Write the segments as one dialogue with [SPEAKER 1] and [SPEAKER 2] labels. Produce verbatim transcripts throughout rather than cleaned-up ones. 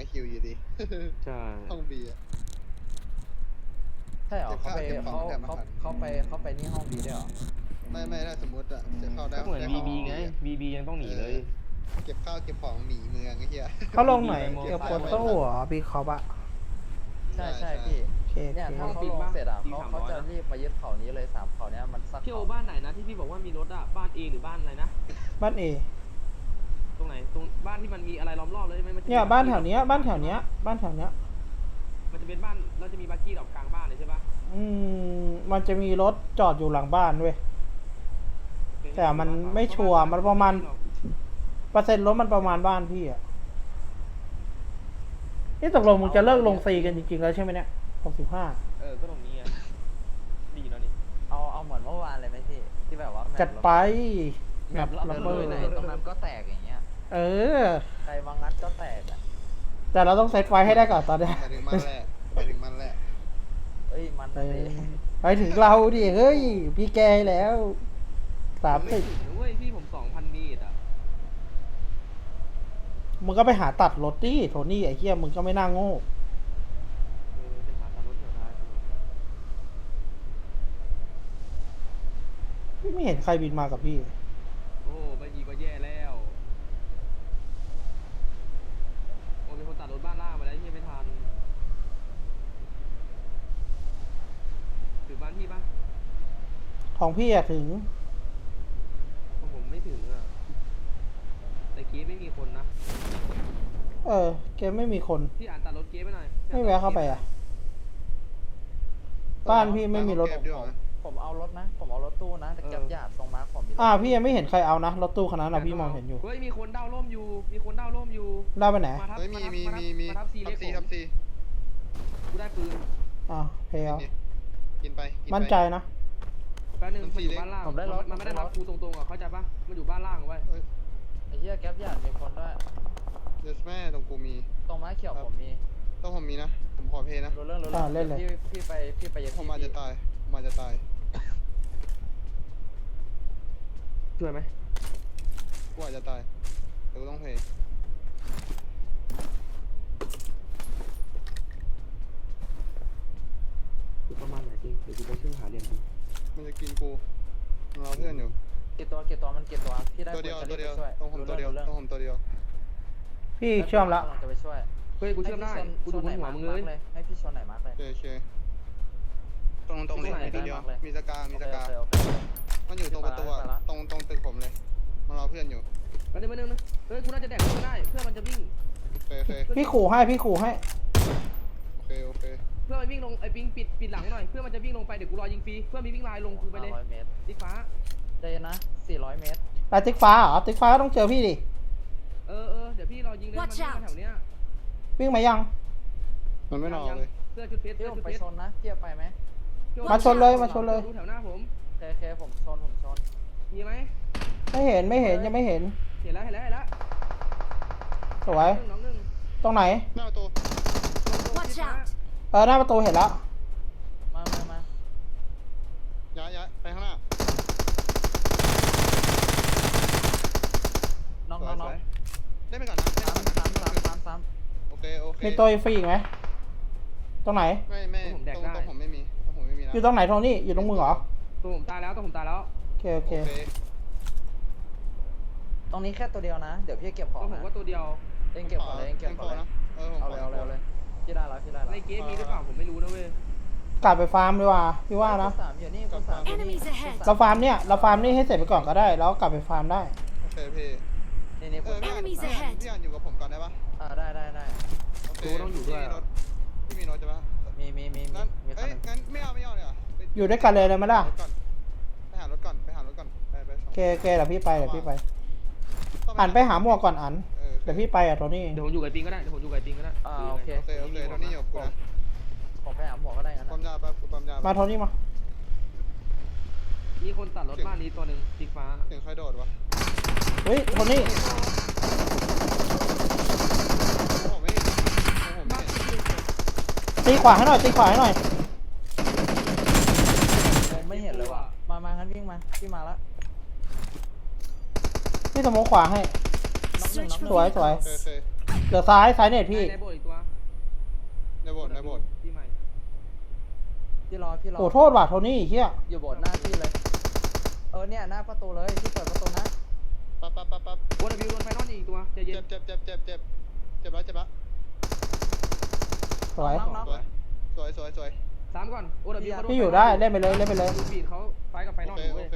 [SPEAKER 1] คิวอยู่ดี
[SPEAKER 2] ใช่
[SPEAKER 1] ห้องบีอะ
[SPEAKER 3] ใช่เหรอเขาไป
[SPEAKER 1] เก็บข
[SPEAKER 3] เขา
[SPEAKER 1] องแถมอา
[SPEAKER 3] เขา
[SPEAKER 1] หาร
[SPEAKER 3] เขาไปเขาไปนี่ห้องบีด้วยเหรอ
[SPEAKER 1] ไม่ไม่ถ้าสมมติอะจะเข้าได้
[SPEAKER 2] ก็เหมือน
[SPEAKER 1] ได้
[SPEAKER 2] บี
[SPEAKER 1] เข้า
[SPEAKER 2] บี
[SPEAKER 1] ห้อง
[SPEAKER 2] ไง
[SPEAKER 1] อะ
[SPEAKER 2] บีบียังต้องหนีเลย
[SPEAKER 1] เก็บข้าวเก็บของหนีเมืองไอ้เหี้ย
[SPEAKER 4] เขาลงไหน
[SPEAKER 2] บีบี
[SPEAKER 4] เกี่ยว
[SPEAKER 2] ไป
[SPEAKER 4] กับ
[SPEAKER 2] หมด
[SPEAKER 4] โต้เหรอบีคอปอะ
[SPEAKER 3] ใช่ใช่
[SPEAKER 1] ใช่
[SPEAKER 3] พี่
[SPEAKER 4] โอเคโอ
[SPEAKER 3] เนี่ย
[SPEAKER 4] เค
[SPEAKER 3] ถ้าเขาลงเสร็จอ่ะเขาเขาจะรีบมายึดเขานี้เลยสามเขาเนี้ยมันสัก
[SPEAKER 2] พี่โอ
[SPEAKER 3] เขา
[SPEAKER 2] บ้านไหนนะที่พี่บอกว่ามีรถอะบ้านเอหรือบ้านอะไรนะ
[SPEAKER 4] บ้านเอ
[SPEAKER 2] ตรงไหนตรงบ้านที่มันมีอะไรล้อมรอบเลยใช่ไหมมัจะมี
[SPEAKER 4] เนี่ยบ้านแถวเนี้ยบ้านแถวเนี้ยบ้านแถวเนี้ย
[SPEAKER 2] มันจะเป็นบ้านเราจะมีบักกี้ดอกกลางบ้านเลยใช่ปะ
[SPEAKER 4] อืมมันจะมีรถจอดอยู่หลังบ้านเว้ย แต่มันไม่ชัวร์มันประมาณ เปอร์เซ็นต์รถมันประมาณบ้านพี่อะนี่ตกลงมึงจะเลิกลงซีกันจริงๆแล้วใช่ไหมเนี่ยหกสิบห้า
[SPEAKER 2] เออก็ตรงนี้ไงดีแล้วนี่
[SPEAKER 3] เอาเอาเหมือนเมื่อวานเลยไหมพี่ที่แบบว่าแมป
[SPEAKER 4] จัดไป
[SPEAKER 3] แม
[SPEAKER 4] แบบ
[SPEAKER 3] ป
[SPEAKER 4] ลั
[SPEAKER 3] ระ
[SPEAKER 4] บ
[SPEAKER 3] เบิ
[SPEAKER 4] เบิ
[SPEAKER 3] ด
[SPEAKER 4] ด
[SPEAKER 3] ไหนตรงนั้นก็แตกอย่างเงี้ย
[SPEAKER 4] เออ
[SPEAKER 3] ใครมางัดก็แตกอ่ะ
[SPEAKER 4] แต่เราต้องเซตไฟให้ได้ก่อนตอนเนี้ย
[SPEAKER 1] ไปถึงมันแหละไปถึงมันแหละ
[SPEAKER 3] เอ้ยมัน
[SPEAKER 4] เอ
[SPEAKER 3] นั่นเอ
[SPEAKER 4] อง ไปถึงเราดิเฮ้ยพี่แกแล้วสาม
[SPEAKER 2] ไม่
[SPEAKER 4] สิบ
[SPEAKER 2] ถึงนะเว้ยพี่ผมสองพันเมตรอะ
[SPEAKER 4] มึงก็ไปหาตัดรถดิโทนี่ไอ้เหี้ยมึงก็ไม่น่าโง่
[SPEAKER 2] เออจะหาตามรถแถวได้
[SPEAKER 4] พี่ไม่เห็นใครบินมากับพี่
[SPEAKER 2] โอ้ไม่ยีก็แย่แล้วโอ้มีคนตัดรถบ้านล่างมาแล้วที่ไม่ทันถึงบ้านพี่ปะ
[SPEAKER 4] ของพี่อะถึง
[SPEAKER 2] ของผมไม่ถึงอะแต่เกีไม่มีคนนะ
[SPEAKER 4] เออแกไม่มีคน
[SPEAKER 2] พี่อ่านตัดรถเกีไปหน่อย
[SPEAKER 4] ไม่แวะเข้าไปอะบ้านพี่ไม่มีรถ
[SPEAKER 1] เก็บดีกว่า
[SPEAKER 3] ผมเอารถนะผมเอารถตู้นะแต่เก็บหยาดตรงมาร์คผมมีรถ
[SPEAKER 4] อ่าพี่ยังไม่เห็นใครเอานะรถตู้คันนั้นอะพี่มองเห็นอยู่
[SPEAKER 2] เฮ้ยมีคนเด้าร่มอยู่มีคนเด้าร่มอยู่
[SPEAKER 4] ได้ไปไหน
[SPEAKER 2] มาทับ
[SPEAKER 1] เฮ้ยมี
[SPEAKER 2] าทับ
[SPEAKER 1] มี
[SPEAKER 2] าทับ
[SPEAKER 1] มีมี
[SPEAKER 2] มาทับซี
[SPEAKER 1] ทั
[SPEAKER 2] เล็
[SPEAKER 1] บ
[SPEAKER 2] ก
[SPEAKER 1] ซี
[SPEAKER 2] ผม
[SPEAKER 1] ทับซี
[SPEAKER 2] กูได้ปืน
[SPEAKER 4] อ่าเพล
[SPEAKER 1] กินไปกินไป
[SPEAKER 4] มั่นใจนะ
[SPEAKER 2] แป๊บนึง
[SPEAKER 1] มัน
[SPEAKER 2] มันอยู่
[SPEAKER 1] ซีเล็ก
[SPEAKER 2] บ้านล่าง
[SPEAKER 3] ผมได้รถ
[SPEAKER 2] มันไม่ได้รับกูตรงๆอ่ะเข้าใจปะมันอยู่บ้านล่างเอาไว้
[SPEAKER 1] เอ้ย
[SPEAKER 3] ไอ้เหี้ยแก๊ปหยาดมีคนด้วย
[SPEAKER 1] เดสแม่ตรงกูมี
[SPEAKER 3] ตรงม้าเขียวผมมี
[SPEAKER 1] ต้องผมมีนะผมขอเพย์นะ
[SPEAKER 3] รู้เรื่องรู้
[SPEAKER 4] อ่า
[SPEAKER 3] เรื่อง
[SPEAKER 4] เล่นเลย
[SPEAKER 3] พี่พี่ไปพี่ไปยัง
[SPEAKER 1] ผมอาจจะตายผมอาจจะตาย
[SPEAKER 2] ช่วยไหม
[SPEAKER 1] กูอาจจะตายแต่กูต้องเพย์
[SPEAKER 2] ประมาณไหนจริงเดี๋ยวกูไปช่วยหาเหรียญดู
[SPEAKER 1] มันจะกินกูมันรอเพื่อนอยู่
[SPEAKER 3] กี่ตัวกี่ตัวมันกี่ตัวพี่ได้
[SPEAKER 1] ตัวเดียว
[SPEAKER 3] ปืน
[SPEAKER 1] ตัว
[SPEAKER 3] จะ
[SPEAKER 1] เดียว
[SPEAKER 3] รีบไปช่วย
[SPEAKER 1] ต้องผมตัวเดียว
[SPEAKER 3] รู้เรื่อง
[SPEAKER 1] ต้องผมตัวเดียว
[SPEAKER 4] พี่เชื่อมแล้ว
[SPEAKER 3] กำลังจะไปช่วย
[SPEAKER 2] เฮ้ยกูเชื่อมได้กูดูบนหัวมึงเลย
[SPEAKER 3] ให้พี่ชนไหนมาร์กเลย
[SPEAKER 1] โอเคโอเคตรงตรงเลยมีตัวเดียวมีสกามีสกา
[SPEAKER 3] โอเคโอเค
[SPEAKER 1] มันอยู่ตรงประตูอะตรงตรงตึกผมเลยมันรอเพื่อนอยู่
[SPEAKER 2] มาหนึ่งมาหนึ่งนะเฮ้ยกูน่าจะแดกไม่ได้เพื่อนมันจะวิ่ง
[SPEAKER 1] โอเคโอเค
[SPEAKER 4] พี่ขู่ให้พี่ขู่ให้
[SPEAKER 1] โอเคโอเค
[SPEAKER 2] เพื่อนมันวิ่งลงไอ้ปิงปิดปิดหลังหน่อยเพื่อนมันจะวิ่งลงไปเดี๋ยวกูรอยิงฟรีเพื่อนมีวิ่งลายลงกูไปเลย
[SPEAKER 3] ห้าร้อยเมตร
[SPEAKER 2] ติ๊กฟ้า
[SPEAKER 3] ได้นะสี่ร้อยเมตร
[SPEAKER 4] แต่ติ๊กฟ้าเหรอติ๊กฟ้าก็ต้องเจอพี่ดิ
[SPEAKER 2] เออเออเดี๋ยวพี่รอยิงเลยมันวิ่งมาแถวเนี้ย
[SPEAKER 4] วิ่งมายัง
[SPEAKER 1] มันไม่รอเลย
[SPEAKER 2] เสื้อชุดเพชร
[SPEAKER 3] พี่
[SPEAKER 2] เสื้อ
[SPEAKER 3] ผม
[SPEAKER 2] ชุด
[SPEAKER 3] ไป
[SPEAKER 2] เพชร
[SPEAKER 3] ชนนะพี่จะไปไหม
[SPEAKER 4] มาชนเลยมาชนเลย
[SPEAKER 2] ดูแถวหน้าผม
[SPEAKER 3] โอเคโอเคผมชนผมชน
[SPEAKER 2] มีไหม
[SPEAKER 4] ไม่เห็นไม่เห็นยังไม่เห็น
[SPEAKER 2] เห็นแล้วเห็นแล้วเห็นแล้ว
[SPEAKER 4] สวย
[SPEAKER 2] หนึ่งน้องหนึ่ง
[SPEAKER 4] ตรงไหน
[SPEAKER 1] หน้าประตู
[SPEAKER 5] Watch out!
[SPEAKER 4] เออหน้าประตูเห็นแล้ว
[SPEAKER 3] มามามา
[SPEAKER 1] ย้ายย้ายไปข้างหน้า
[SPEAKER 3] น้อง
[SPEAKER 1] สว
[SPEAKER 3] น้อย ง
[SPEAKER 1] ส
[SPEAKER 3] น้อง
[SPEAKER 1] วยเล่นไปก่อนนะเล่น
[SPEAKER 3] สาม
[SPEAKER 1] ไปก่อน
[SPEAKER 3] สาม
[SPEAKER 1] นะ
[SPEAKER 3] สามสามสาม
[SPEAKER 1] โอเคโอเค
[SPEAKER 4] มีตัวฟรีอีกไหมตรงไหน
[SPEAKER 1] ไม่ไม่ตรงตรงผมไม่มีตรงผมไม่มีนะ
[SPEAKER 4] อยู่ตรงไหนโทนี่อยู่ตรงมือเหรอ
[SPEAKER 2] ตัวผมตายแล้วตัวผมตายแล้ว
[SPEAKER 4] โอเคโอ
[SPEAKER 1] โอ
[SPEAKER 4] เค
[SPEAKER 1] เค
[SPEAKER 3] ตรงนี้แค่ตัวเดียวนะ เดี๋ยวพี่เก็บข
[SPEAKER 2] ตั
[SPEAKER 3] อ
[SPEAKER 2] ว
[SPEAKER 3] ง
[SPEAKER 2] ผม
[SPEAKER 3] นะ
[SPEAKER 2] ก็ตัวเดียว
[SPEAKER 3] เองเก็บก่อนเลยเองเก็บก่อนเลย
[SPEAKER 1] นะเออผม
[SPEAKER 3] เอาเลยเอาเลยเอาเลยพี่ได้แล้วพี่ได้แล้ว
[SPEAKER 2] ในเกมมีหรือเปล่าผมไม่รู้นะเว้ย
[SPEAKER 4] กลับไปฟาร์มดีกว่าพี่ว่านะ
[SPEAKER 3] คูณสามอยู่นี่คูณสามอยู่นี่
[SPEAKER 5] Enemies ahead
[SPEAKER 4] เราฟาร์มเนี่ยเราฟาร์มนี่ให้เสร็จไปก่อนก็ได้แล้วกลับไปฟาร์มได้
[SPEAKER 1] โอเคพี่
[SPEAKER 3] นี่นี่
[SPEAKER 1] เอ
[SPEAKER 3] คู
[SPEAKER 1] อ
[SPEAKER 3] ณ
[SPEAKER 1] พี่
[SPEAKER 3] สาม
[SPEAKER 1] อ่านพี่อ่านพี่อ่านอยู่กับผมก่อนได้ปะ
[SPEAKER 3] อ่าได้ได้ได้
[SPEAKER 1] โอเคพี่มีรถใช่ปะ
[SPEAKER 3] มีมีมีมี
[SPEAKER 1] งั้น
[SPEAKER 3] มีคั
[SPEAKER 1] เอ้
[SPEAKER 3] น
[SPEAKER 1] ย
[SPEAKER 3] หนึง
[SPEAKER 1] งั้นไม่เอาไม่เอาเนี่ย
[SPEAKER 4] อยู่ด้วยกันเลยเลยไหมล่ะ
[SPEAKER 1] ไปหารถก่อนไปหารถก่อนไปไป
[SPEAKER 4] โอเคโอเคเดี๋ยวพี่ไปเดี๋ยวพี่ไปอันไปหาหมวกก่อนอันเดี๋ยวพี่ไปอ่ะโทนี่
[SPEAKER 2] เดี๋ยวผมอยู่กับไอ้ปิงก็ได้เดี๋ยวผมอยู่กับไอ้ปิงก็ได้
[SPEAKER 3] อ่าโอเค
[SPEAKER 1] โอเคโอเคตอนนี้อยู่กับกูนะ
[SPEAKER 3] ผมไปหาหมวกก็ได้งั้น
[SPEAKER 1] ปั๊ม
[SPEAKER 3] นะ
[SPEAKER 1] ยาไปกูปั๊มยา
[SPEAKER 4] มาโทนี่มา
[SPEAKER 2] มีคนตัดรถบ้านนี้ตัวหนึ่งติ๊กฟ้า
[SPEAKER 1] ถึงใครโดดวะ
[SPEAKER 4] เฮ้ยโทนี่
[SPEAKER 1] ผมไม่ผมไม่
[SPEAKER 4] ตีขวาให้หน่อยตีขวาให้หน่อย
[SPEAKER 3] ผมไม่เห็นเลยว่ะมามางั้นวิ่งมาพี่มาแล้ว
[SPEAKER 4] พี่สโมกขวาให้
[SPEAKER 3] น็อกหนึ่งน็อกหนึ่ง
[SPEAKER 4] สวยสวย
[SPEAKER 1] โอเคโอเค
[SPEAKER 4] เหลือซ้ายซ้ายเน็ตพี่
[SPEAKER 2] ในโบอีก
[SPEAKER 1] โบสถ์ในโบสถ์
[SPEAKER 2] ที่ใหม่
[SPEAKER 3] พี่รอพี่รอ
[SPEAKER 4] โอ้โทษว่ะโทนี่เฮีย
[SPEAKER 3] อยู่โบสถ์หน้าพี่เลย เออเนี่ยหน้าประตูเลยที่เปิดประตูนะ
[SPEAKER 1] ปั๊บปั๊บปั๊บปั๊บ
[SPEAKER 2] โอเดบิวโดนไฟนอลอีกตัวใจเย็
[SPEAKER 1] เจ็
[SPEAKER 2] น
[SPEAKER 1] บเจ็บเจ็บเจ็บเจ็บเจ็บแล้วเจ็บแล้ว
[SPEAKER 4] สวย
[SPEAKER 3] น้องน้อง
[SPEAKER 1] สวยสวยสวยสวย
[SPEAKER 2] สามก่อนโอเดบิว
[SPEAKER 4] พี่อยู่ได้เล่นไปเลยเล่นไปเลย
[SPEAKER 2] ดูบีดเขาไฟกับไฟน
[SPEAKER 1] โอ
[SPEAKER 2] อล
[SPEAKER 1] เค
[SPEAKER 2] อยู่
[SPEAKER 1] โอ
[SPEAKER 2] เว้ย
[SPEAKER 1] เค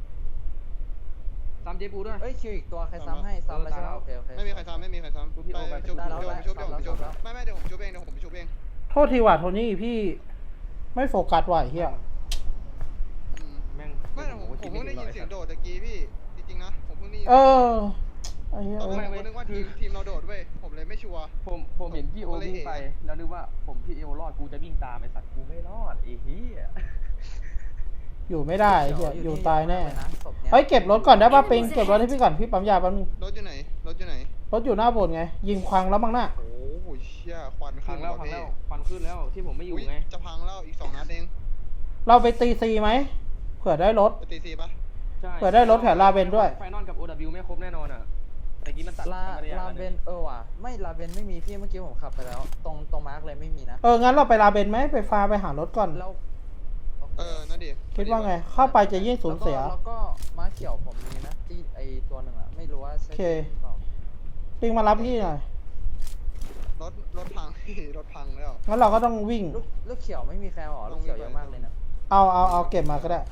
[SPEAKER 2] สามเจปูด้วย
[SPEAKER 3] เอ้ยคิวอีกตัวใครซ้ำให้ซ้ำแล้วใช่ไหมโอเคโอเค
[SPEAKER 1] ไม่มีใครซ้ำไม่มีใครซ้ำไปชุบ
[SPEAKER 3] ได้
[SPEAKER 1] เดี๋ยว
[SPEAKER 3] แล้ว
[SPEAKER 1] ผมชุบเดี๋ยวผมชุบ
[SPEAKER 3] ได้แล้ว
[SPEAKER 1] ไม่ไม่เดี๋ยวผมชุบเองเดี๋ยวผมชุบเอง
[SPEAKER 4] โทษทีว่ะโทนี่พี่ไม่โฟกัสว่ะไอ้เฮีย
[SPEAKER 1] อืม
[SPEAKER 2] แม่ง
[SPEAKER 1] ไม่ผมผมเพิ่งได้ยินเสียงโดดตะกี้พี่จริงๆนะผมเพิ่งได้ยิน
[SPEAKER 4] เออไอ้เฮีย
[SPEAKER 1] ตอนแรกผมก็นึกว่าทีมทีมเราโดดเว้ยผมเลยไม่ชัวร์
[SPEAKER 2] ผมผมเห็นพี่โอวิ่งไปแล้วนึกว่าผมพี่เอวรอดกูจะวิ่งตามไอ้สัตว์กูไม่รอดไอ้เหี้ย
[SPEAKER 4] อยู่ไม่ได้ไอ้เฮียอยู่ตายแน่
[SPEAKER 3] นะศพเนี้ย
[SPEAKER 4] เฮ้ยเก็บรถก่อนได้ป่ะปิงเก็บรถให้พี่ก่อนพี่ปั๊มยาแป๊บนึง
[SPEAKER 1] รถอยู่ไหนรถอยู่ไหน
[SPEAKER 4] รถอยู่หน้าโบสถ์ไง ยิงควังแล้วมั้งน่ะ
[SPEAKER 1] โอ้โหเชี่ยควัน
[SPEAKER 2] พั
[SPEAKER 1] ขึ้
[SPEAKER 2] ง
[SPEAKER 1] น
[SPEAKER 2] แล้ว
[SPEAKER 1] ว่ะ
[SPEAKER 2] พัง
[SPEAKER 1] พี่
[SPEAKER 2] แล้วควันขึ้นแล้วที่ผมไม่อยู่
[SPEAKER 1] อุ๊ย
[SPEAKER 2] ไง
[SPEAKER 1] จะพังแล้วอีกสองนัดเอง
[SPEAKER 4] เราไปตีซีไหมเผื่อได้รถ
[SPEAKER 1] ไปตีซีปะ
[SPEAKER 2] ใช่
[SPEAKER 4] เปิดได้รถแถวลาเบนด้วย
[SPEAKER 2] ไฟนอลกับ โอ ดับเบิลยู ไม่ครบแน่นอนอ่ะแต่กี้มันตัด
[SPEAKER 3] ลา
[SPEAKER 2] ธรรมด
[SPEAKER 3] ลาเบนเออว่ะไม่ลาเบนไม่มีพี่เมื่อกี้ผมขับไปแล้ว ตรงตรงมาร์กเลยไม่มีนะ
[SPEAKER 4] เอองั้นเราไปลาเบนไหมไปฟาร์มไปหารถก่อน
[SPEAKER 3] แล้ว
[SPEAKER 1] เออนั่นดิ
[SPEAKER 4] คิดว่าไง เข้าไปจะยิ่งสูญเสีย
[SPEAKER 3] แล้วก็ม้าเขียวผมมีนะที่ไอตัวหนึ่งอะไม่รู้ว่าใช่
[SPEAKER 4] โอเค
[SPEAKER 3] หรือเปล่า
[SPEAKER 4] ปิงมารับพี่หน่อย
[SPEAKER 1] รถรถพัง พี่รถพังแล้ว
[SPEAKER 4] งั้นเราก็ต้องวิ่ง
[SPEAKER 3] ลูกลูกเขียวไม่มีใครหรอลูกเขียวเยอะมากเลยนะ
[SPEAKER 4] เอาเอาเอาเก็บมาก็ได้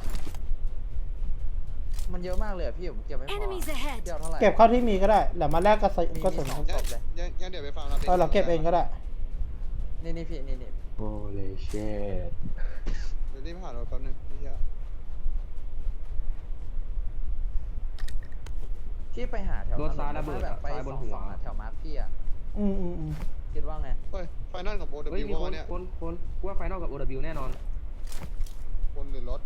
[SPEAKER 3] มันเยอะมากเลยอะพี่ผมเก็บไม่พอ
[SPEAKER 5] Enemies ahead
[SPEAKER 3] เดียวเท่าไหร่
[SPEAKER 4] เก็บเข้าที่มีก็ได้แล้วมาแลกกระสุน
[SPEAKER 3] มี
[SPEAKER 4] กระสุน
[SPEAKER 3] มีสอง
[SPEAKER 1] ยังยังยังเดี๋ยวไปฟังเรา
[SPEAKER 4] เออเราเก็บเองก็ได้
[SPEAKER 3] นี่นี่พี่นี่นี่
[SPEAKER 2] โอ้เลยเชด
[SPEAKER 1] เดี๋ยวรีบผ่านรถแป๊บนึงพี่อะ
[SPEAKER 3] พี่ไปหาแถว
[SPEAKER 2] รถซ้ายระเบิด
[SPEAKER 3] แบ
[SPEAKER 2] อะ
[SPEAKER 3] บไป
[SPEAKER 2] ซ้ายบ
[SPEAKER 3] ส
[SPEAKER 2] น
[SPEAKER 3] อง
[SPEAKER 2] หั
[SPEAKER 3] ส
[SPEAKER 2] ว
[SPEAKER 3] องอะแถวมาร์คพี่อะ
[SPEAKER 4] อืมอืมอืม
[SPEAKER 3] คิดว่าไง
[SPEAKER 1] เฮ้ยไฟนอลกับโบดับ
[SPEAKER 2] เฮ้ย
[SPEAKER 1] บิว
[SPEAKER 2] มีคน
[SPEAKER 1] วะเนี่ย
[SPEAKER 2] คนคนกูว่าไฟนอลกับ โอ ดับเบิลยู แน่นอน
[SPEAKER 1] คนหรือรถ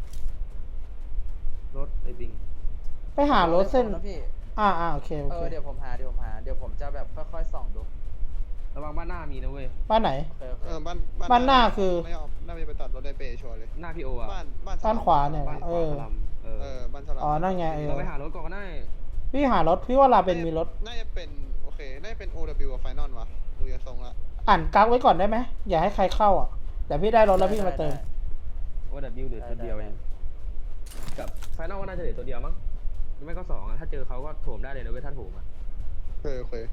[SPEAKER 2] รถไอ้บิง
[SPEAKER 4] ไปหารถเส้น
[SPEAKER 3] นะพี่
[SPEAKER 4] อ่าอ่าโอเคโอ
[SPEAKER 3] เอ
[SPEAKER 4] เค
[SPEAKER 3] อเดี๋ยวผมหาเดี๋ยวผมหาเดี๋ยวผมจะแบบค่อยๆส่องดู
[SPEAKER 2] ระวังบ้านหน้ามีนะเว้ย
[SPEAKER 4] บ้านไหน
[SPEAKER 3] โอเคโอเค
[SPEAKER 1] เออบ้าน
[SPEAKER 4] บ้านหน้าคือ
[SPEAKER 1] ไม่เอาน่าจะไปตัดรถได้เปย์ชัวร์เลย
[SPEAKER 2] หน้าพี่โออ่ะ
[SPEAKER 1] บ้านบ้าน
[SPEAKER 4] บ้านขวาเนี่ย
[SPEAKER 2] บ้านข
[SPEAKER 4] เอ
[SPEAKER 2] วา
[SPEAKER 4] อ
[SPEAKER 2] สลัมเอ
[SPEAKER 1] เอ
[SPEAKER 2] อ
[SPEAKER 1] อบ้านสลับ
[SPEAKER 4] อ๋อนั่นไงเออ
[SPEAKER 2] เราไปหารถก่อนก็ได้
[SPEAKER 4] พี่หารถพี่ว่าลาเบนมีรถ
[SPEAKER 1] น่าจะเป็นโอเคน่าจะเป็น โอ ดับเบิลยู กับไฟนอลวะดูยาทรงละ
[SPEAKER 4] อ่านกักไว้ก่อนได้ไหมอย่าให้ใครเข้าอ่ะแต่พี่ได้รถแล้วพี่มาเติม
[SPEAKER 2] โอ ดับเบิลยู เหลือตัวเดียวเองกับไฟนอลก็น่าจะเหลือตัวเดียวมั้งหรือไม่ก็สองอ่ะถ้าเจอเขาก็โถมได้เลยนะเว้ยถ้าโถมอ่ะ
[SPEAKER 1] โอเคโอเค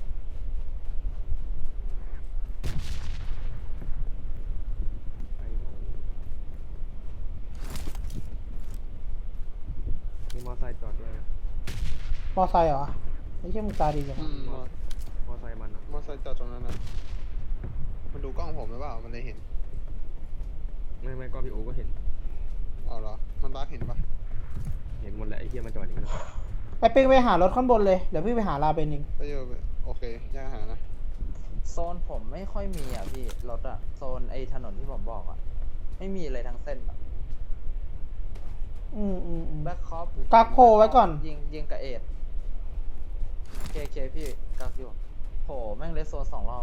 [SPEAKER 2] มีมอไซค์จอดด้วย
[SPEAKER 4] มอไซค์เหรอไอ้เชี่ยมึงตาดีจัง
[SPEAKER 1] อืมมอ
[SPEAKER 2] มอไซค์มันอ่ะ
[SPEAKER 1] มอไซค์จอดตรงนั้นนะมันดูกล้องผมหรือเปล่ามันเลยเห็น
[SPEAKER 2] ไม่ไม่ก็พี่โอก็เห็น
[SPEAKER 1] อ๋อเหรอมันบักเห็นปะ
[SPEAKER 2] เห็นหมดแหละไอ้เหี้ยมันจอดอย่างนั้นอะ
[SPEAKER 4] ไปปิงไปหารถข้างบนเลยเดี๋ยวพี่ไปหาลาเบนเอง
[SPEAKER 1] ไปอยู่โอเคย่างอาหารนะ
[SPEAKER 3] โซนผมไม่ค่อยมีอ่ะพี่รถอ่ะโซนไอ้ถนนที่ผมบอกอ่ะไม่มีเลยทั้งเส้นอะ
[SPEAKER 4] อืมอืมอืม
[SPEAKER 3] แบ็คคอป
[SPEAKER 4] กักโพไว้ก่อน
[SPEAKER 3] ยิงยิงกับเอ็ดเคเคพี่กักอยู่โหแม่งเลสโซนสองรอบ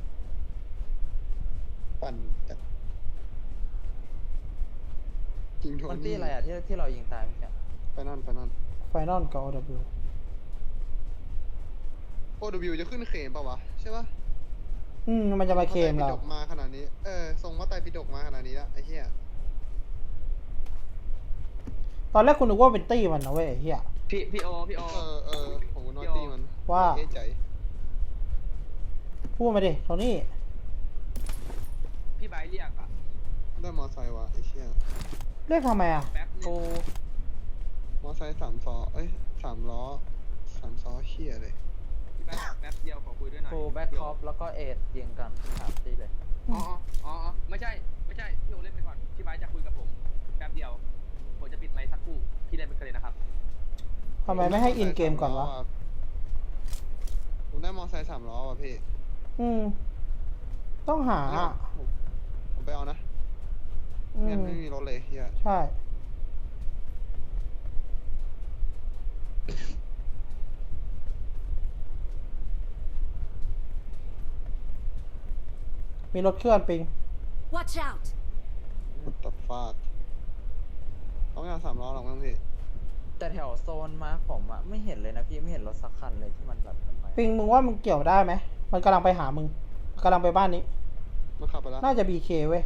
[SPEAKER 1] ปั่นจัดจริงโท
[SPEAKER 3] มัน
[SPEAKER 1] นี่
[SPEAKER 3] ตี้อะไรอ่ะที่ที่เรายิงตายเมื่อกี้
[SPEAKER 1] ไปนั่นไปนั่น
[SPEAKER 4] ไฟนอลกับ โอ ดับเบิลยู
[SPEAKER 1] โอ ดับเบิลยู จะขึ้นเขมปะวะใช่ปะ
[SPEAKER 4] อืมมันจะมาเคลมเรา
[SPEAKER 1] พระไตรปิฎกมาขนาดนี้เออทรงว่าไตรปิฎกมาขนาดนี้แล้วไอ้เหี้ย
[SPEAKER 4] ตอนแรกคุณนึกว่าเป็นตี้มันนะเว้ยไอ้เฮีย
[SPEAKER 2] พี่พี่โอพี่โอ
[SPEAKER 1] เออเออของคุณนอตตี้มัน
[SPEAKER 4] ว่า
[SPEAKER 1] เอ๊ะใจ
[SPEAKER 4] พูดมาดิโทนี่
[SPEAKER 2] พี่ไบร์ทเรียกอ่ะ
[SPEAKER 1] ได้มอไซค์วะไอ้เชี่ย
[SPEAKER 4] เรียกทำไมอ่ะ
[SPEAKER 2] แป๊บนึ
[SPEAKER 3] ฟู
[SPEAKER 2] ง
[SPEAKER 1] มอไซค์สามซอเอ้ยสามล้อสามซอเชี่ยเลย
[SPEAKER 2] พี่ไบร์ทแป๊บเดียวขอคุยด้วยหน่อย
[SPEAKER 3] ฟูแบ็คคอปแล้วก็เอ็ดยิงกันสามตีเลย
[SPEAKER 2] อ๋ออ๋ออ๋อไม่ใช่ไม่ใช่พี่โอเล่นไปก่อนพี่ไบร์ทจะคุยกับผมแป๊บเดียวผมจะปิดไมค์สักครู่พี่เล่นไปกันเลยนะครับ
[SPEAKER 4] ทำไมไม่ให้อินเกมก่อนวะ
[SPEAKER 1] ผมได้มอไซค์สามล้อว่ะพี่
[SPEAKER 4] อืม ต้องหาอะ
[SPEAKER 1] ผมผมไปเอานะ
[SPEAKER 4] อื
[SPEAKER 1] งั้น
[SPEAKER 4] ม
[SPEAKER 1] ไม่มีรถเลยเฮีย
[SPEAKER 4] ใช่ มีรถเคลื่อนปิง
[SPEAKER 5] Watch out!
[SPEAKER 1] ตัดฟาดเขาไม่เอาสามล้อหรอกมั้งพี่
[SPEAKER 3] แต่แถวโซนมาร์คผมอ่ะไม่เห็นเลยนะพี่ไม่เห็นรถสักคันเลยที่มันแบบขึ้นไป
[SPEAKER 4] ปิงมึงว่ามึงเกี่ยวได้ไหม มันกำลังไปหามึงกำลังไปบ้านนี้
[SPEAKER 1] มันขับไปแล้ว
[SPEAKER 4] น่าจะบีเคเว้ย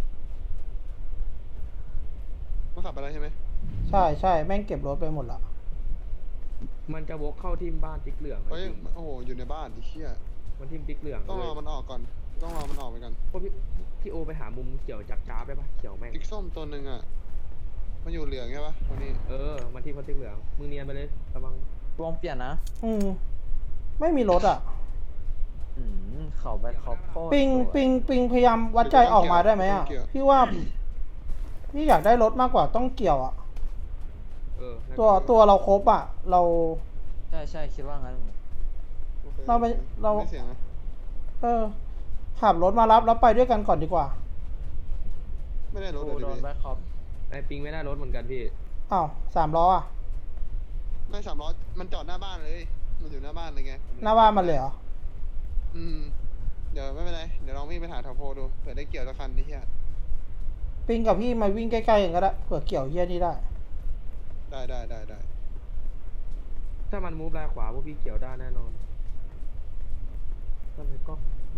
[SPEAKER 1] มันขับไปแล้วใช่ไหม
[SPEAKER 4] ใช่ใช่แม่งเก็บรถไปหมดละ
[SPEAKER 2] มันจะวกเข้าทีมบ้านติ๊กเหลือง
[SPEAKER 1] เฮ้ย
[SPEAKER 2] จริง
[SPEAKER 1] โอ้โหอยู่ในบ้านดิเชี่ย
[SPEAKER 2] มันทีมติ๊กเหลือง
[SPEAKER 1] ต้องรอมันออกก่อนต้องรอมันออกไปก่อน
[SPEAKER 2] พวกพี่พี่โอไปหามุมเขียวจับจ้าบได้ปะเขียวแม่ง
[SPEAKER 1] ติ๊กส้มตัวหนึ่งอ่ะมันอยู่เหลืองใช่ปะตัวนี้
[SPEAKER 2] เออมันทีมเขาติ๊กเหลืองมึงเนียนไปเลยระวัง
[SPEAKER 3] วงเปลี่ยนนะ
[SPEAKER 4] อืมไม่มีรถอ่ะ
[SPEAKER 3] อืมเขาแบทคอปโคตร
[SPEAKER 4] ปิง
[SPEAKER 3] สวย
[SPEAKER 4] ปิงปิงพยายามวัดใจออกมาได้ไหมอ่ะ พี่ว่าพี่อยากได้รถมากกว่าต้องเกี่ยวอ่ะ
[SPEAKER 2] เออน่าจะ
[SPEAKER 4] ตัวตัวเราครบอ่ะ เรา
[SPEAKER 3] ใช่ใช่คิดว่างั้น
[SPEAKER 1] โอค
[SPEAKER 4] เราไปเรา
[SPEAKER 1] ไม่เสียงนะ
[SPEAKER 4] เออขับรถมารับแล้วไปด้วยกันก่อนดีกว่า
[SPEAKER 1] ไม่ได้รถ
[SPEAKER 3] กู
[SPEAKER 1] เลย
[SPEAKER 3] โด
[SPEAKER 1] ดิ
[SPEAKER 3] น
[SPEAKER 1] พี่
[SPEAKER 3] แบทคอป
[SPEAKER 2] ไอปิงไม่ได้รถเหมือนกันพี่
[SPEAKER 4] อ้าวสามล้ออ่ะ
[SPEAKER 1] ไม่สามล้อมันจอดหน้าบ้านเลยมันอยู่หน้าบ้านเลยไง
[SPEAKER 4] หน้าบ้านมันเลยเหรอ
[SPEAKER 1] อืมเดี๋ยวไม่เป็นไรเดี๋ยวลองวิ่งไปหาแถวโพดูเผื่อได้เกี่ยวสักคันนี่เฮีย
[SPEAKER 4] ปิงกับพี่มาวิ่งใกล้ๆกันก็ได้เผื่อเกี่ยวเฮียนี่ได้
[SPEAKER 1] ได้ได้ได้ได้
[SPEAKER 2] ถ้ามันมูฟลายขวาพวกพี่เขียวได้แน่นอนทำไมกล้อง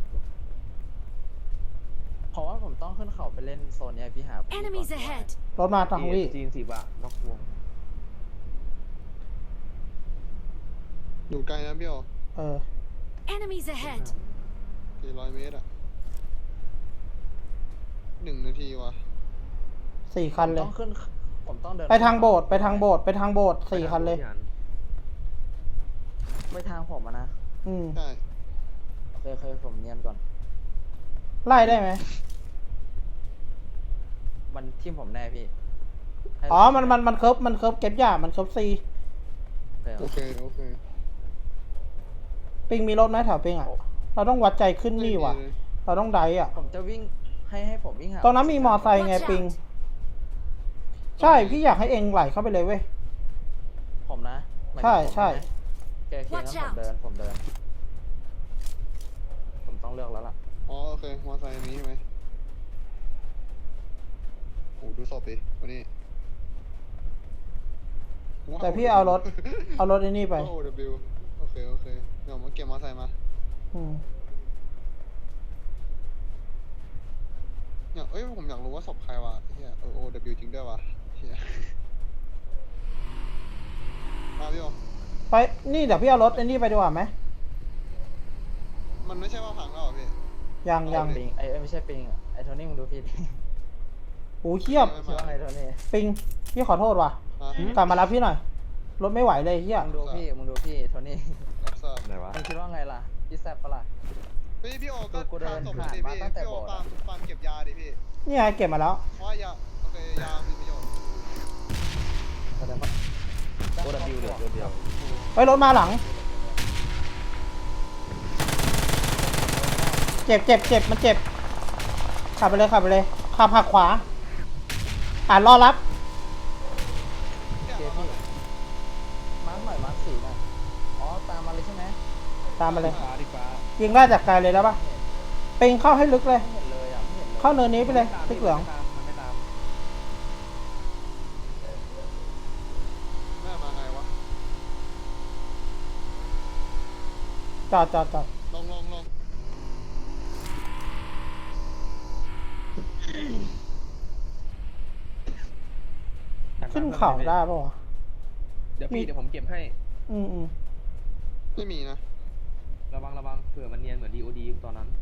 [SPEAKER 3] เพราะว่าผมต้องขึ้นเขาไปเล่นโซนเนี้ยพี่หาผม
[SPEAKER 5] Enemies
[SPEAKER 3] ก่อน
[SPEAKER 5] ahead
[SPEAKER 4] รถมาทางพี่
[SPEAKER 2] จีนสิบอะนอกวง
[SPEAKER 1] อยู่ไกลนะพี่โอ
[SPEAKER 4] เออ
[SPEAKER 5] Enemies ahead
[SPEAKER 1] สี่ร้อยเมตรอะหนึ่งนาทีวะ
[SPEAKER 4] สี่คันเลย
[SPEAKER 3] ต้องขึ้นผมต้องเดิน
[SPEAKER 4] ไปทางโบสถ์ไปทางโบสถ์ไปทางโบสถ์สี่คันเลย
[SPEAKER 3] ไปทางผมอะนะ
[SPEAKER 4] อืม
[SPEAKER 1] ใช่
[SPEAKER 3] โอเคโอเคผมเนียนก่อน
[SPEAKER 4] ไล่ได้ไหม
[SPEAKER 3] มันทิมผมแน่พี่ให้
[SPEAKER 4] อ๋อ มัน มัน มันเคิร์ฟมันเคิร์ฟเก็บยามันเคิร์ฟซี
[SPEAKER 3] โอเค
[SPEAKER 1] โอเคโอเค
[SPEAKER 4] ปิงมีรถไหมแถวปิงอ่ะ เราต้องวัดใจขึ้นนี่ว่ะ
[SPEAKER 1] ไม่มีเลย
[SPEAKER 4] เราต้องไดอ่ะ
[SPEAKER 3] ผมจะวิ่งให้ให้ผมวิ่งหา
[SPEAKER 4] ตรงนั้นมีมอไซค์ไงปิง ใช่ พี่อยากให้เองไหลเข้าไปเลยเว้ย
[SPEAKER 3] ผมนะหมายถึง
[SPEAKER 4] ใช่
[SPEAKER 3] ผมนะ
[SPEAKER 4] ใช่
[SPEAKER 3] โอเคโอเคงั้นผมเดินผมเดิน ผมต้องเลือกแล้วล่ะ
[SPEAKER 1] อ๋อโอเคมอไซค์อันนี้ใช่ไหมโอ้ดูศพดิวันนี้ว้ว
[SPEAKER 4] แต่พี่เอารถ เอารถไอ้นี่ไป
[SPEAKER 1] โอ้ W โอเคโอเคเดี๋ยวมาเก็บมอไซค์มา
[SPEAKER 4] อืม
[SPEAKER 1] อยากเอ้ยผมอยากรู้ว่าศพใครวะเฮียเออ O W จริงด้วยวะเฮียมาพี่โอ
[SPEAKER 4] ไป นี่เดี๋ยวพี่เอารถไอ้นี่ไปดีกว่าไหม
[SPEAKER 1] มันไม่ใช่ว่าพังแล้วเหรอพี่
[SPEAKER 4] ยังยัง
[SPEAKER 3] ปิงไอ้เอ้ยไม่ใช่ปิงอะไอ้โทนี่มึงดูพี่ดิ
[SPEAKER 4] โอ้เทียบ
[SPEAKER 1] ไม่
[SPEAKER 3] คิดว่าไงโทนี่
[SPEAKER 4] ปิง พี่ขอโทษว่ะ
[SPEAKER 1] อ่ะ
[SPEAKER 4] กลับมารับพี่หน่อย รถไม่ไหวเลยเฮีย
[SPEAKER 3] มึงดูพี่มึงดูพี่โทนี่
[SPEAKER 1] รับทราบ
[SPEAKER 2] ไหนวะ
[SPEAKER 3] มึงคิดว่าไงล่ะพี่แซบปะล่ะ
[SPEAKER 1] เฮ้ยพี่โอก็
[SPEAKER 3] กูเดิน
[SPEAKER 1] ตามศพ
[SPEAKER 3] ผ่าน
[SPEAKER 1] ดิ
[SPEAKER 3] มา
[SPEAKER 1] พี่
[SPEAKER 3] ตั้งแต่
[SPEAKER 1] พี่โอ
[SPEAKER 3] โบสถ์
[SPEAKER 1] ฟาร์มฟาร์มเก็บยาดิพี่
[SPEAKER 4] นี่ไงเก็บมาแล้ว
[SPEAKER 1] เพราะว่ายาโอเคยามีประโยชน์
[SPEAKER 3] แสดงว่า
[SPEAKER 2] โอดับบิวเหลือตัวเดียว
[SPEAKER 4] ไปรถมาหลัง เจ็บเจ็บเจ็บมันเจ็บ ขับไปเลยขับไปเลย ขับหักขวา อ่านรอรับ
[SPEAKER 1] เนี่ย
[SPEAKER 3] โอเคพี่มาร์คหน่อยมาร์คสีหน่อยอ๋อตามมาเลยใช่ไหม
[SPEAKER 4] ตามมาเลย
[SPEAKER 2] ฟ้าดิฟ้า
[SPEAKER 4] ยิงได้จากไกลเลยได้ปะปิงเข้าให้ลึกเลย
[SPEAKER 3] ไม่เห็นเลยอ่ะไม่เห็นเลย
[SPEAKER 4] เข้าเนินนี้ไปเลยติ๊กเหลือง
[SPEAKER 2] มันไม่ตาม
[SPEAKER 1] แม่มาไงวะ
[SPEAKER 4] จอดจอดจอด
[SPEAKER 1] ลงลงลง
[SPEAKER 4] ขึ้นเขาได้ปะวะ
[SPEAKER 2] เดี๋ยวพี่เดี๋ยวผมเก็บให้
[SPEAKER 4] อืมอืม
[SPEAKER 1] ไม่มีนะ
[SPEAKER 2] ระวังระวังเผื่อมันเนียนเหมือนดีโอดีตอนนั้น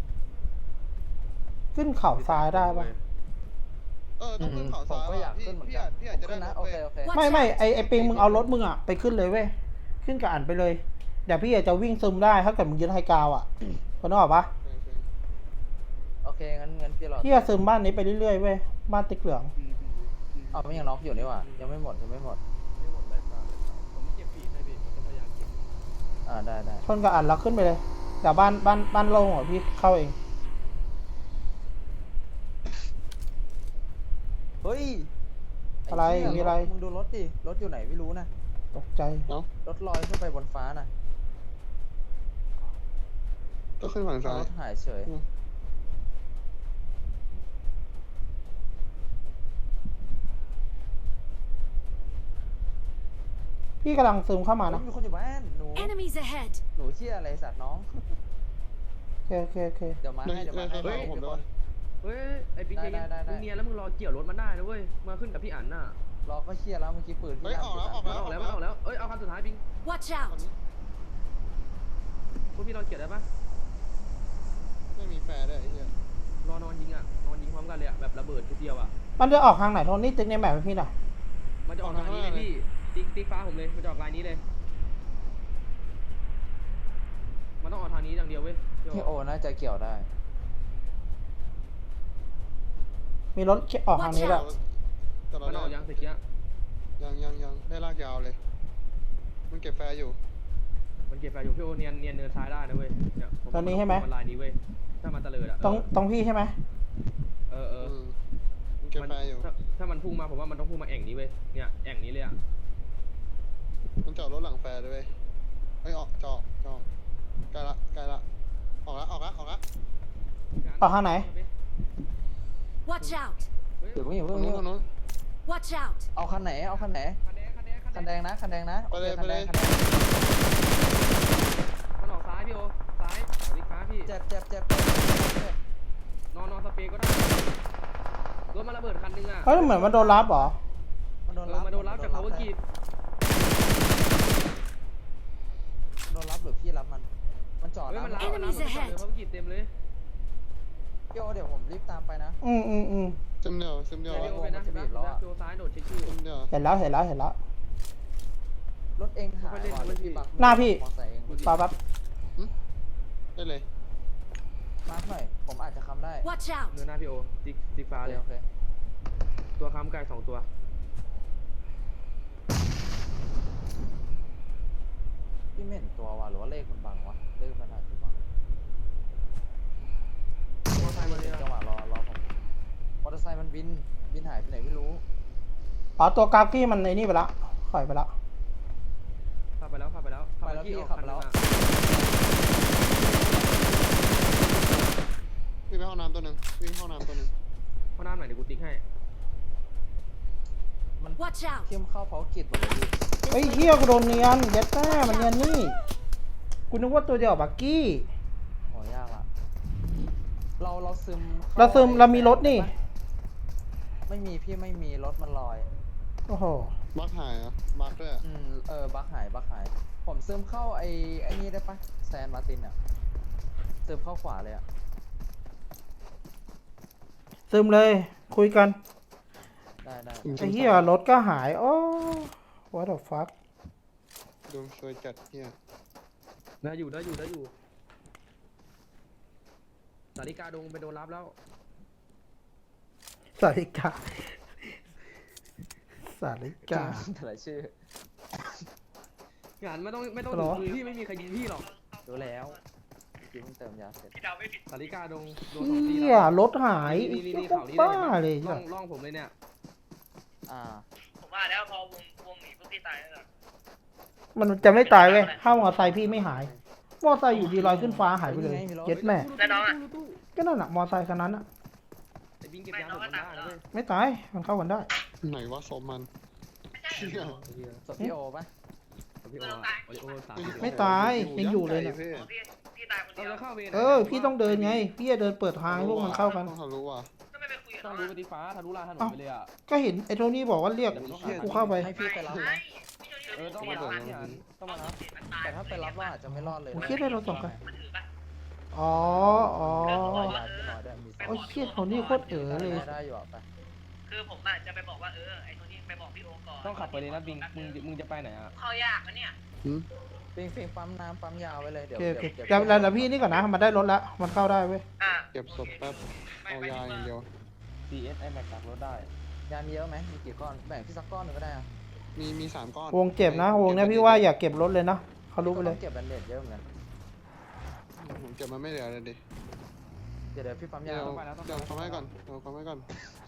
[SPEAKER 4] ขึ้นเขาซ้ายได้ปะ
[SPEAKER 1] เออต้องขึ้นเขา
[SPEAKER 3] ผม
[SPEAKER 1] ซ้าย
[SPEAKER 3] ก็อยาก
[SPEAKER 1] พี่
[SPEAKER 3] ขึ้นเหมือน
[SPEAKER 1] พี่
[SPEAKER 3] กั
[SPEAKER 1] อาน จพี่อาจจะ
[SPEAKER 3] ผม
[SPEAKER 1] ได้
[SPEAKER 3] ขึ้นนะ
[SPEAKER 1] รถ
[SPEAKER 3] โอ
[SPEAKER 1] เว้
[SPEAKER 3] เค
[SPEAKER 1] ย
[SPEAKER 3] โอเค
[SPEAKER 4] ไม่ไม่ไอไอปิงมึงเอารถมึงอ่ะไปขึ้นเลยเว้ย ขึ้นกับอันไปเลย เดี๋ยวพี่อาจจะวิ่งซึมได้ถ้าเกิดมึงยึดไฮกราวอ่ะคนนึกออกปะ
[SPEAKER 1] โอเคโอเค
[SPEAKER 3] โอเคงั้นงั้นพี่รอ
[SPEAKER 4] พี่จะซึมบ้านนี้ไปเรื่อยๆเว้ย บ้านติ๊กเหลือง
[SPEAKER 3] เอาไม่ยังน็อกอยู่นี่หว่ายังไม่หมดยังไม่หมด
[SPEAKER 2] ไม่หมดเลยฟ้าเลยผมเก็บปีกให้พี่ผมจะพยายามเก็บ
[SPEAKER 3] อ่าได้ได้
[SPEAKER 4] ชนกับอันแล้วขึ้นไปเลย เดี๋ยวบ้านบ้านบ้านโล่งอ่ะพี่เข้าเอง
[SPEAKER 3] เฮ้ย
[SPEAKER 4] อะไร
[SPEAKER 3] เหี้ย
[SPEAKER 4] มีอะไร
[SPEAKER 3] มึงดูรถดิรถอยู่ไหนไม่รู้นะ
[SPEAKER 4] ตกใจ
[SPEAKER 1] เอ้าร
[SPEAKER 3] ถลอยขึ้นไปบนฟ้าน่ะ
[SPEAKER 1] ก็ขึ้นฝั่งซ้าย
[SPEAKER 3] รถหายเฉย
[SPEAKER 1] อืม
[SPEAKER 4] พี่กำลังซึมเข้ามานะ
[SPEAKER 3] เฮ้ยมีคนอยู่บ้านหนู
[SPEAKER 5] Enemies ahead
[SPEAKER 3] หนูเชี่ยอะไรสัตว์น้อง
[SPEAKER 4] โอเคโอเคโอเค
[SPEAKER 3] เดี๋ยวมาให้เดี๋ยวมาให้
[SPEAKER 1] เฮ้ย
[SPEAKER 3] ทุก
[SPEAKER 1] ผม
[SPEAKER 3] ค
[SPEAKER 1] ด้วย
[SPEAKER 3] น
[SPEAKER 2] เฮ้ยไอ้ปิ๊ก
[SPEAKER 3] ได้
[SPEAKER 2] เนียน
[SPEAKER 3] ได้ได้
[SPEAKER 2] มึงเนียนแล้วมึงรอเกี่ยวรถมันได้นะเว้ยมาขึ้นกับพี่อั๋นน่ะ
[SPEAKER 3] รอก็เคลียร์แล้วเมื่อกี้ปืน
[SPEAKER 1] เฮ้ย
[SPEAKER 3] ย่าง
[SPEAKER 1] ออกแล้วออก
[SPEAKER 2] มั
[SPEAKER 1] แล้
[SPEAKER 2] นออกแล้วมันออกแล้วเอ้ยเอาคันสุดท้ายปิง
[SPEAKER 5] Watch out!
[SPEAKER 2] พวกพี่รอเกี่ยวได้ปะ
[SPEAKER 1] ไม่มีแฟร์ด้วยไอ้เหี้ย
[SPEAKER 2] รอนอนยิงอ่ะนอนยิงพร้อมกันเลยอ่ะแบบระเบิดทีเดียวอ่ะ
[SPEAKER 4] มันจะออกทางไหนโทนี่ติ๊กในแมปให้พี่หน่อย
[SPEAKER 2] มันจะออกทางนี้เลยพี่ติ๊กติ๊กฟ้าผมเลยมันจะออกลายนี้เลย มันต้องออกทางนี้อย่างเดียวเว้ยพี่
[SPEAKER 3] พี่
[SPEAKER 2] โอ
[SPEAKER 3] โอน่าจะเกี่ยวได้
[SPEAKER 4] มีรถออกทางนี้ด้วย
[SPEAKER 1] แต่เรา
[SPEAKER 2] มัน
[SPEAKER 1] ได้
[SPEAKER 2] ออกยังตะกี้
[SPEAKER 1] ยังยังยังได้ลากยาวเลย มันเก็บแฟร์อยู่
[SPEAKER 2] มันเก็บไปอยู่พี่โอเนียนเนียนเนินซ้ายได้นะเว้ยเนี่ยผ
[SPEAKER 4] ตอนนี้ใช่ไหม
[SPEAKER 2] มันลายนี้เว้ยถ้ามันตะเลิดอ่ะ
[SPEAKER 4] ตรงตรงพี่ใช่ไหม
[SPEAKER 2] เออเออ
[SPEAKER 1] อืมมันเก็บ
[SPEAKER 2] มัน
[SPEAKER 1] แฟร์อยู่
[SPEAKER 2] ถ้าถ้ามันพุ่งมาผมว่ามันต้องพุ่งมาแอ่งนี้เว้ยเนี่ยแอ่งนี้เลยอ่ะ
[SPEAKER 1] มันจอดรถหลังแฟร์ด้วยเว้ยเฮ้ยออกจอดจอดใกล้ละใกล้ละออกละออกละออกละ
[SPEAKER 4] ออกทางไหน
[SPEAKER 5] Watch out!
[SPEAKER 2] เฮ้ย
[SPEAKER 3] เดี๋ยวเพิ่งอย่า
[SPEAKER 1] ตร
[SPEAKER 3] เพิ่
[SPEAKER 1] ง
[SPEAKER 3] ง
[SPEAKER 1] นู้นตรงนู้น
[SPEAKER 5] Watch out!
[SPEAKER 3] เอาคันไหนเอาคันไหน
[SPEAKER 2] คันแดงคันแดง
[SPEAKER 3] คันแดงนะคันแดงนะ
[SPEAKER 1] ไปเลย
[SPEAKER 3] โอคคันแดง
[SPEAKER 1] ไปเลย
[SPEAKER 3] คันแดง
[SPEAKER 2] มันออกซ้ายพี่โอซ้ายเอาดิฟ้าพี่
[SPEAKER 3] เจ็บเจ็บเจ็บเจ็บเจ็บ
[SPEAKER 2] นอนนอนสเปรย์ก็ได้รถมันระเบิดคันนึงอ่ะ
[SPEAKER 4] เฮ้ยเหมือนมันโดนรับเหรอ
[SPEAKER 3] มันโดน
[SPEAKER 2] เอ
[SPEAKER 3] รั
[SPEAKER 2] อบ มาโดนรับจาก power key
[SPEAKER 3] โดนรับหรือพี่รับมัน มันจอด
[SPEAKER 2] เฮ้ย
[SPEAKER 3] นะ
[SPEAKER 2] มันรับมันรับ
[SPEAKER 5] Enemies
[SPEAKER 2] มันจอด
[SPEAKER 5] ahead
[SPEAKER 2] เลย power key เต็มเลย
[SPEAKER 3] พี่โอเดี๋ยวผมรีบตามไปนะ
[SPEAKER 4] อืมอืมอืม
[SPEAKER 1] ซึมเดียวซึมเดียว
[SPEAKER 2] เดี๋ยว
[SPEAKER 1] วะ
[SPEAKER 2] พี่โอไปนะเห็นไหม
[SPEAKER 3] มันจะบีบล้อ
[SPEAKER 2] พี่โอซ้ายโดดเช็คชื่อ
[SPEAKER 1] ซึมเดียว
[SPEAKER 4] เห็นแล้วเห็นแล้วเห็นแล้ว
[SPEAKER 3] รถเองหาย
[SPEAKER 2] ไม่ค่อยเล่น
[SPEAKER 3] ว่ะ
[SPEAKER 2] ไม่ค่อย
[SPEAKER 3] พี่บัก
[SPEAKER 4] หน้าพี่
[SPEAKER 3] มอเตอร์ไซค์เอง
[SPEAKER 4] ปาปั๊บ
[SPEAKER 1] ได้เลย
[SPEAKER 3] มาร์คหน่อย ผมอาจจะค้ำได้
[SPEAKER 5] Watch out!
[SPEAKER 2] เนื้อหน้าพี่โอติ๊กติ๊กฟ้า
[SPEAKER 3] โอ
[SPEAKER 2] เล
[SPEAKER 3] เค
[SPEAKER 2] ย
[SPEAKER 3] โอเค
[SPEAKER 2] ตัวค้ำไก่สองตัว
[SPEAKER 3] พี่ไม่เห็นตัวว่ะหรือว่าเลขมันบังวะ เลขมันอาจจะบัง
[SPEAKER 2] มอไซค์มาเลย
[SPEAKER 3] จังหวะรอรอผมมอเตอร์ไซค์มันบิน บินหายไปไหนไม่รู้
[SPEAKER 4] อ๋อตัวกราฟกี้มันในนี่ไปละถอยไปละ
[SPEAKER 2] ขับไปแล้วขับไปแล้ว
[SPEAKER 3] ไปแล้ว
[SPEAKER 2] ที่
[SPEAKER 3] พี่
[SPEAKER 2] ออก
[SPEAKER 3] ขับ
[SPEAKER 2] คัน
[SPEAKER 3] แล้
[SPEAKER 2] นึ
[SPEAKER 3] ว
[SPEAKER 2] งอะ
[SPEAKER 1] วิ่งไปห้องน้ำตัวหนึ่งวิ่งเข้าห้องน้ำตัวหนึ่ง
[SPEAKER 2] ข้างหน้าหน่อยเดี๋ยวกูติ๊กให้
[SPEAKER 3] มัน
[SPEAKER 5] Watch out!
[SPEAKER 3] เข้มเข้าเผากิจหมดเลยพี่
[SPEAKER 4] เฮ้ยเฮียกูโดนเนียนเย็ดแม่มันเนียนนี่กูนึกว่าตัวเดียวกับบักกี้
[SPEAKER 3] โหยากละเราเราซึมข้
[SPEAKER 4] เราซึม
[SPEAKER 3] ไอ้
[SPEAKER 4] เรามีรถนี่
[SPEAKER 3] ไม่มีพี่ไม่มีรถมันลอย
[SPEAKER 4] โอ้โห
[SPEAKER 1] บักหายเหรอ่ะบักด้วยอะ
[SPEAKER 3] อืมเออบักหายบักหาย ผมซึมเข้าไอ้ไอ้นี่ได้ปะแซนมาร์ตินอ่ะซึมเข้าขวาเลยอ่ะ
[SPEAKER 4] ซึมเลยคุยกัน
[SPEAKER 3] ได้ได้
[SPEAKER 4] ไอ้เหี้ยรถก็หายโอ้ what the fuck
[SPEAKER 1] ดวงสวยจัดเฮีย
[SPEAKER 2] ได้อยู่ได้อยู่ได้อยู่สาริกาดงไปโดนรับแล้ว
[SPEAKER 4] สาริกาสาริกา
[SPEAKER 3] แต่ละชื่อ
[SPEAKER 2] งานไม่ต้องไม่ต้อง
[SPEAKER 4] หร
[SPEAKER 2] ถึ
[SPEAKER 4] อ
[SPEAKER 2] งมือพี่ไม่มีใครยิงพี่หรอก
[SPEAKER 3] รู้แล้วจริงเพิ่งเติมยาเสร็จ
[SPEAKER 2] สาริกาดงโดนสองตี
[SPEAKER 4] เหี้ย
[SPEAKER 2] แล้ว
[SPEAKER 4] รถหาย
[SPEAKER 2] นี่นี่นี่
[SPEAKER 4] พว
[SPEAKER 2] เขา
[SPEAKER 4] ก
[SPEAKER 2] นี่
[SPEAKER 4] บ้า
[SPEAKER 2] เล
[SPEAKER 4] เลย ย
[SPEAKER 2] ล่
[SPEAKER 4] จ้ะ
[SPEAKER 2] องล่องผมเลยเนี่ย
[SPEAKER 3] อ่า
[SPEAKER 6] ผมว่าแล้วพอวงวงหนีพวกพี่ตายแล้วเหรอ
[SPEAKER 4] มันจะไม่ตายเว้ยถ้ามอไซค์พี่ไม่หาย มอไซค์อยู่ดีลอยขึ้นฟ้าหายไปเลย
[SPEAKER 3] เฮ้ยมีรถ
[SPEAKER 4] เย็ดแม่
[SPEAKER 6] แล้วน้องอะ
[SPEAKER 4] ก็นั่นน่ะมอไซค์คันนั้นน่ะ
[SPEAKER 2] ไอ้บิงเก็บยาหมดมันได้นะเว้ย
[SPEAKER 4] ไม่ตายมันเข้ากันได้
[SPEAKER 1] ไหนว่าศพมัน
[SPEAKER 6] ไม่ใช่
[SPEAKER 1] เชี่ย
[SPEAKER 2] ไอ้เหี้ย
[SPEAKER 3] ศพพี่โอปะ
[SPEAKER 2] พี่โออะโอริโอสาม
[SPEAKER 4] ไม่ตายยังอยู่เลย
[SPEAKER 1] เนี่
[SPEAKER 4] เนี่ย
[SPEAKER 1] ย
[SPEAKER 6] โอ้พี่พี่ตายคน
[SPEAKER 2] เรา
[SPEAKER 6] เดียว
[SPEAKER 2] จะเข้าเวร
[SPEAKER 4] เออพี่ต้องเดินไง พี่จะเดินเปิดทางให้พวกมันเข้ากัน
[SPEAKER 1] ต้องทะลุว่ะ
[SPEAKER 6] ก็ไม่ไปคุยกับ
[SPEAKER 2] ต้อ
[SPEAKER 6] เขา
[SPEAKER 2] งรู้
[SPEAKER 6] อะ
[SPEAKER 2] ปฏิฟ้าทะลุลานถนนไปเลยอ่ะ
[SPEAKER 4] ก็เห็นไอ้โทนี่บอกว่าเรียกกูเข้าไป
[SPEAKER 3] ให้พี่ไปรับ
[SPEAKER 6] ไม่
[SPEAKER 3] นะ
[SPEAKER 6] พี่โจนี่
[SPEAKER 2] เออต้องมารับพี่อันต้องมารับ
[SPEAKER 6] มันตาย
[SPEAKER 3] แต่ถ้าไปรับว่าอาจจะไม่รอดเลย
[SPEAKER 4] ผมคิดให้เราส่งกัน
[SPEAKER 6] มันถือปะ
[SPEAKER 4] อ๋ออ๋อ
[SPEAKER 3] รอยาพี่น้อยด้วยมี
[SPEAKER 4] โอ้ยเชี่ยโทนี่โคตรเอ๋อเลย
[SPEAKER 3] ได้อยู่อ่ะไป
[SPEAKER 6] คือผมอะจะไปบอกว่าเออไอ้คนที่ไปบอกพี่โอก่อน
[SPEAKER 2] ต้องขับไปเลยนะบิงมึงมึงจะไปไหนอ่ะ
[SPEAKER 6] เข้ายากนะเนี่ย
[SPEAKER 3] ฟิงฟิงปั๊มน้ำปั๊มยาวไว้เลย
[SPEAKER 4] โอ
[SPEAKER 3] เดี๋ยว
[SPEAKER 4] เคโอเค
[SPEAKER 3] เดี๋ยว
[SPEAKER 4] เดี๋ยวเดี๋ยวเดี๋ยวพี่นี่ก่อนนะมันได้รถแล้วมันเข้าได้เว้ย
[SPEAKER 6] อ่ะ
[SPEAKER 1] เก็บศพแป๊บเอายาอย่างเดียว
[SPEAKER 2] ซี เอส ไอแม็กตักรถได้
[SPEAKER 3] ยามีเยอะไหมมีกี่ก้อน แบ่งพี่สักก้อนหนึ่งก็ได้อะ
[SPEAKER 1] มีมีสามก้อน
[SPEAKER 4] วงเจ็บนะวงเนี้ยพี่ว่าอย่าเก็บรถเลยนะเขารู้ไปเลย
[SPEAKER 3] ต้องเก็บแบนเดดเยอะเหมือนกัน
[SPEAKER 1] ผมเก็บมันไม่เหลือเลยดิ
[SPEAKER 3] เดี๋ยวเดี๋ยวพี่ปั๊ม
[SPEAKER 1] เดี๋
[SPEAKER 3] ยา
[SPEAKER 1] ยว
[SPEAKER 3] ว
[SPEAKER 1] เดี๋ยวเขาให้ก่อนเดี๋ยวเขาให้ก่อน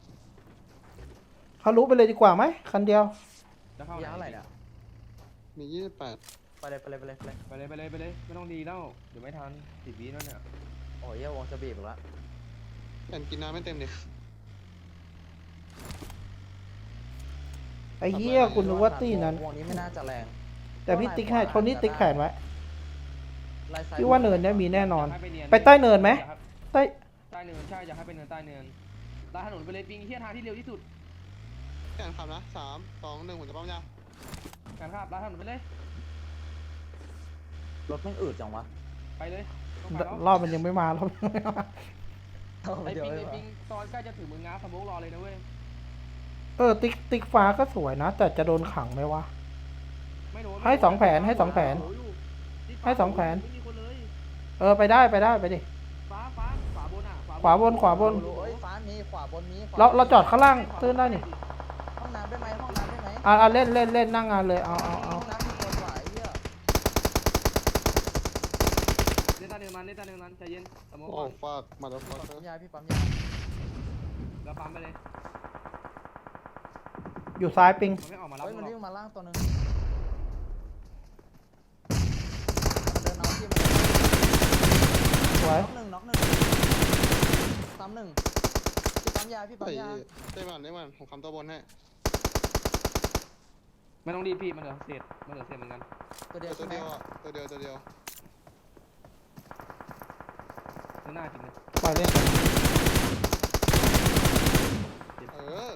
[SPEAKER 4] เขารู้ไปเลยดีกว่าไหมคันเดียว
[SPEAKER 2] แล้วเข้าย
[SPEAKER 3] าอะไรเนี่ย
[SPEAKER 1] มียี่สิบแปด
[SPEAKER 3] ไปเลยไปเลยไปเลยไปเลย
[SPEAKER 2] ไปเลยไปเลยไปเลยไม่ต้องดีแล้วเดี๋ยวไม่ทันสิบวิแล้วเนี่ย
[SPEAKER 3] โอ้ยเหี้ยวงจะบีบอีกแล้ว
[SPEAKER 1] แต่กินน้ำไม่เต็มดิ
[SPEAKER 4] ไอ้เหี้ยกูนึกว่าตีนั้น
[SPEAKER 3] วงนี้ไม่น่าจะแรง
[SPEAKER 4] แต่พี่ติ๊กให้โทนี่ติ๊กแขนไว้
[SPEAKER 3] ไล่ซ้าย
[SPEAKER 4] พี่ว่าเนินเนี้ยมีแน่นอน
[SPEAKER 2] ยากให้เย
[SPEAKER 4] ไปใต้เนินไหม
[SPEAKER 2] อยากให้
[SPEAKER 4] ใต้
[SPEAKER 2] ใต้เนินใช่อยากให้ไปเนินใต้เนินลาดถนนไปเลยปิงเฮียทางที่เร็วที่สุด
[SPEAKER 1] แข่งขับนะสามสองหนึ่งผมจะปั๊มยา
[SPEAKER 2] การข้ามลาดถนนไปเลย
[SPEAKER 3] รถไม่งอืดจังวะ
[SPEAKER 2] ไปเลยต้องไปแล้ว
[SPEAKER 4] รอบมันยังไม่มารอบมันยังไม่มา
[SPEAKER 2] ไอ้
[SPEAKER 3] เดี๋ยว
[SPEAKER 2] ปิง
[SPEAKER 3] ไม่
[SPEAKER 2] ไอ้
[SPEAKER 3] มา
[SPEAKER 2] ปิงตอนใกล้จะถึงมึงง้าสมมุกรอเลยนะเว้ย
[SPEAKER 4] เออติ๊กติ๊กฟ้าก็สวยนะ แต่จะโดนขังไหมวะ
[SPEAKER 2] ไม่โดน
[SPEAKER 4] ให้สองแผนให้สองแผน ให้สองแผน
[SPEAKER 2] ไม่มีคนเลย
[SPEAKER 4] เออไปได้ไปได้ไปดิ
[SPEAKER 2] ฟ้าฟ้าขวาบนอ่ะ
[SPEAKER 4] ขวาบนขวาบน
[SPEAKER 3] รู้เอ้ยฟ้ามีขวาบนมีขว
[SPEAKER 4] เราเราจอดข้างล่างตื้นได้นี่
[SPEAKER 3] ห้องน้ำได้ไหมห้องน้ำได้ไหม
[SPEAKER 4] อ่ะอ่ะเล่นเล่นเล่นนั่งงานเลยเอาเอาเอา
[SPEAKER 3] ห้องน้ำมีคนไหวเหี้ย
[SPEAKER 2] เล่นตาเนินมันเล่นตาเนินมันใจเย็นสมมุก
[SPEAKER 1] โอ้
[SPEAKER 2] ก่อน
[SPEAKER 1] ฟากมาแล้วฟาก
[SPEAKER 3] ปั๊มยาพี่ปั๊มยา
[SPEAKER 2] แล้วปั๊มไปเลย
[SPEAKER 4] อยู่ซ้ายปิง
[SPEAKER 2] มันไม่ออกมารับ
[SPEAKER 3] เฮ้ย
[SPEAKER 2] มึ
[SPEAKER 3] มัน
[SPEAKER 2] งหร
[SPEAKER 3] วิ่
[SPEAKER 2] อก
[SPEAKER 3] งมาล่างตัวหนึงมันเดินเอาที่มัน
[SPEAKER 4] สวย
[SPEAKER 3] น็อกหนึ่งน็อกหนึ่งซ้ำหนึ่งพี่ปั๊มยาพี่ปั๊ม
[SPEAKER 1] ไอ้
[SPEAKER 3] ยา
[SPEAKER 1] ได้มันได้มันผมคำตัวบนให้
[SPEAKER 2] ไม่ต้องรีบพี่มันเหลือเศษมันเหลือเศษเหมือนกัน
[SPEAKER 3] ตัวเดียว
[SPEAKER 1] ตั
[SPEAKER 3] ใช่
[SPEAKER 1] ว
[SPEAKER 3] ไหม
[SPEAKER 1] เดียวอ่ะตัวเดียวตัวเดียว
[SPEAKER 2] ข้างหน้าจริงเลย
[SPEAKER 4] ปล่อยเล่น
[SPEAKER 1] เออ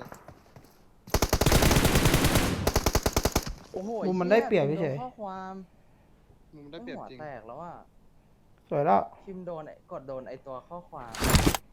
[SPEAKER 3] โอ้โห
[SPEAKER 4] มุมมันได้เปรียบ
[SPEAKER 3] พิมพ์
[SPEAKER 4] เฉ
[SPEAKER 3] โด
[SPEAKER 4] ย
[SPEAKER 3] นข้อความ
[SPEAKER 1] มุมได้เปรียบ
[SPEAKER 3] หัว
[SPEAKER 1] จริง
[SPEAKER 3] แตกแล้วอ่ะ
[SPEAKER 4] สวยแล้ว
[SPEAKER 3] พิมพ์โดนไอ้กดโดนไอตัวข้อความ